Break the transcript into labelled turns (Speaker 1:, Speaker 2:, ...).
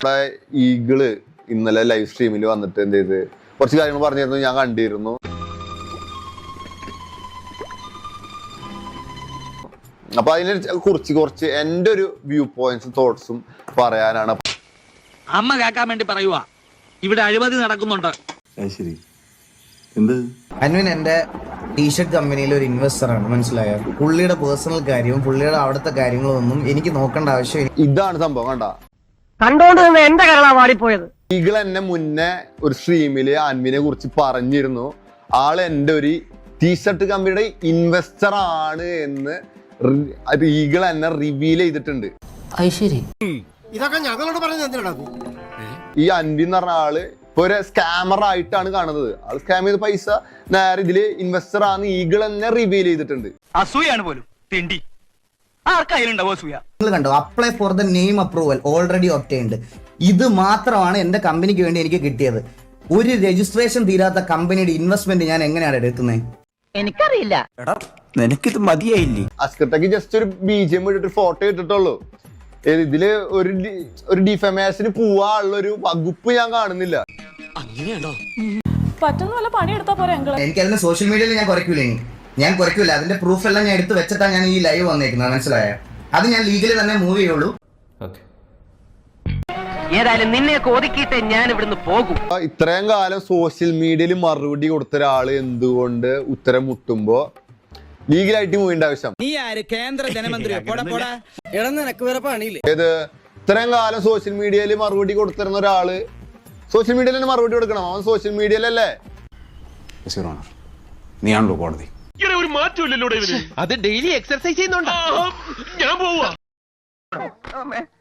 Speaker 1: Eagle ഇന്നലെ live സ്ട്രീമിൽ വന്നിട്ട് എന്ത് ചെയ്ത് കുറച്ച് കാര്യങ്ങൾ പറഞ്ഞിരുന്നു, ഞാൻ കണ്ടിരുന്നു. അപ്പൊ അതിനെ കുറിച്ച് എൻ്റെ ഒരു വ്യൂ പോയിന്റ്സും തോട്ട്സും പറയാനാണ്.
Speaker 2: അമ്മ കേൾക്കാൻ വേണ്ടി പറയുവാ, ഇവിടെ അഴിമതി നടക്കുന്നുണ്ട്.
Speaker 3: അൻവിൻ എന്റെ ടീഷർട്ട് കമ്പനിയിൽ ഒരു ഇൻവെസ്റ്റർ ആണ്, മനസ്സിലായോ? പുള്ളിയുടെ പേഴ്സണൽ കാര്യവും പുള്ളിയുടെ അവിടുത്തെ കാര്യങ്ങളും ഒന്നും എനിക്ക് നോക്കേണ്ട ആവശ്യം.
Speaker 1: ഇതാണ് സംഭവം.
Speaker 4: കണ്ടോണ്ട് നിന്ന് എന്റെ കരളാ വാടിപ്പോയത്.
Speaker 1: ഈഗിൾ എന്നെ മുന്നേ ഒരു സ്ട്രീമില് അൻവിനെ കുറിച്ച് പറഞ്ഞിരുന്നു. ആള് എന്റെ ഒരു ടീഷർട്ട് കമ്പനിയുടെ ഇൻവെസ്റ്റർ ആണ് എന്ന് ഈഗിൾ എന്നെ റിവീൽ ചെയ്തിട്ടുണ്ട്.
Speaker 5: ഇതൊക്കെ ഞങ്ങളോട് പറഞ്ഞ
Speaker 1: ഈ അൻവി എന്ന് പറഞ്ഞ ആള് ഇപ്പൊ ഒരു സ്കാമർ ആയിട്ടാണ് കാണുന്നത്. ആൾ സ്കാം ചെയ്ത പൈസ നേരെ ഇതില് ഇൻവെസ്റ്റർ ആണ് ഈഗിൾ എന്നെ റിവീൽ ചെയ്തിട്ടുണ്ട്.
Speaker 2: അസൂയാണ് പോലും തിണ്ടി. ആർക്കായാലുണ്ടാവും അസൂയ.
Speaker 3: നിങ്ങൾ കണ്ടോ, apply for the name approval already obtained. ഇത് മാത്രമാണ് എന്റെ കമ്പനിക്ക് വേണ്ടി എനിക്ക് കിട്ടിയത്. ഒരു രജിസ്ട്രേഷൻ തീരാത്ത കമ്പനിയുടെ ഇൻവെസ്റ്റ്മെന്റ് ഞാൻ എങ്ങനെയാണ് എടുക്കുന്നത്?
Speaker 4: എനിക്കറിയില്ല.
Speaker 6: നിനക്കിത് മതിയായില്ലേ?
Speaker 1: അസ്കട്ടക്ക് ജസ്റ്റ് ഒരു BGM ഇട്ടിട്ട് ഫോട്ടോ ഇട്ടിട്ടുള്ളൂ. ഇതില് ഒരു ഡിഫമേഷന് പോവാനുള്ള ഒരു വകുപ്പ് ഞാൻ കാണുന്നില്ല.
Speaker 7: പറ്റുന്ന പോലെ പണിയെടുത്താ പോരെ.
Speaker 3: എനിക്ക് അതിന് സോഷ്യൽ മീഡിയയിൽ ഞാൻ കുറയ്ക്കൂല. അതിന്റെ പ്രൂഫ് എല്ലാം ഞാൻ എടുത്ത് വെച്ചിട്ടാണ് ഞാൻ ഈ ലൈവ് വന്നേക്കുന്നത്, മനസ്സിലായോ? അത് ഞാൻ ലീഗലി തന്നെ മൂവ് ചെയ്യുള്ളൂ.
Speaker 4: ഏതായാലും നിന്നെ ഒതുക്കിയിട്ട് ഞാൻ ഇവിടുന്ന് പോകും.
Speaker 1: ഇത്രയും കാലം സോഷ്യൽ മീഡിയയിൽ മറുപടി കൊടുത്ത ഒരാള് എന്തുകൊണ്ട് ഉത്തരം മുട്ടുമ്പോ ലീഗലായിട്ട് മൂവിന്റെ ആവശ്യം?
Speaker 2: നീ ആര്? കേന്ദ്ര ധനമന്ത്രിയോ?
Speaker 1: ഏത് ഇത്രയും കാലം സോഷ്യൽ മീഡിയയിൽ മറുപടി കൊടുത്തിരുന്ന ഒരാള് സോഷ്യൽ മീഡിയയിൽ തന്നെ മറുപടി കൊടുക്കണം. അവൻ സോഷ്യൽ മീഡിയയിലല്ലേ?
Speaker 6: നീയാണല്ലോ കോടതി.
Speaker 5: ഒരു മാറ്റമില്ലല്ലോ.
Speaker 2: അത് ഡെയിലി എക്സർസൈസ് ചെയ്യുന്നുണ്ടോ?
Speaker 5: ഞാൻ പോവാ.